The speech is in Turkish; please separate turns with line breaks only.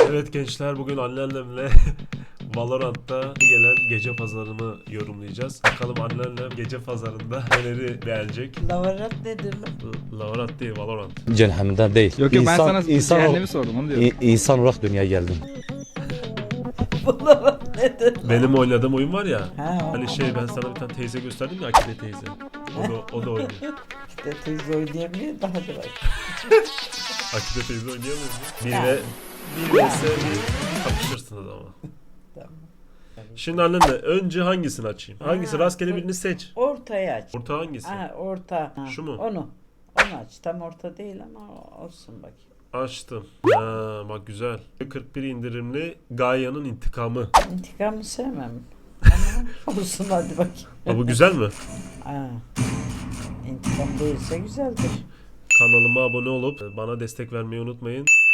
Evet gençler, bugün anneannemle Valorant'ta gelen gece pazarını yorumlayacağız. Bakalım anneannem gece pazarında neleri beğenecek.
Lavarat nedir lan?
Valorant değil, Valorant.
Cehennemden değil.
Yok ben sana
insan,
cehennemi sordum onu diyorum.
insan olarak dünyaya geldim.
Lavarat nedir?
Benim oynadığım oyun var ya.
Ha,
Hani ben sana bir tane teyze gösterdim ya, Akide teyze. O da oynuyor.
işte teyze oynayabiliyor daha da var.
Akide teyze oynayamıyor mu?
Yani.
Bir vs bir kapışırsınız ama.
Tamam.
Şimdi anneanne önce hangisini açayım? Hangisi? Rastgele birini seç.
Ortaya aç.
Orta hangisi?
Ha, orta. Ha,
Şu mu?
Onu aç. Tam orta değil ama olsun bakayım.
Açtım. Ha, bak güzel. 41 indirimli Gaia'nın intikamı.
İntikamı sevmem. Ama olsun hadi bakayım.
Ha, bu güzel mi?
Ha. İntikam değilse güzeldir.
Kanalıma abone olup bana destek vermeyi unutmayın.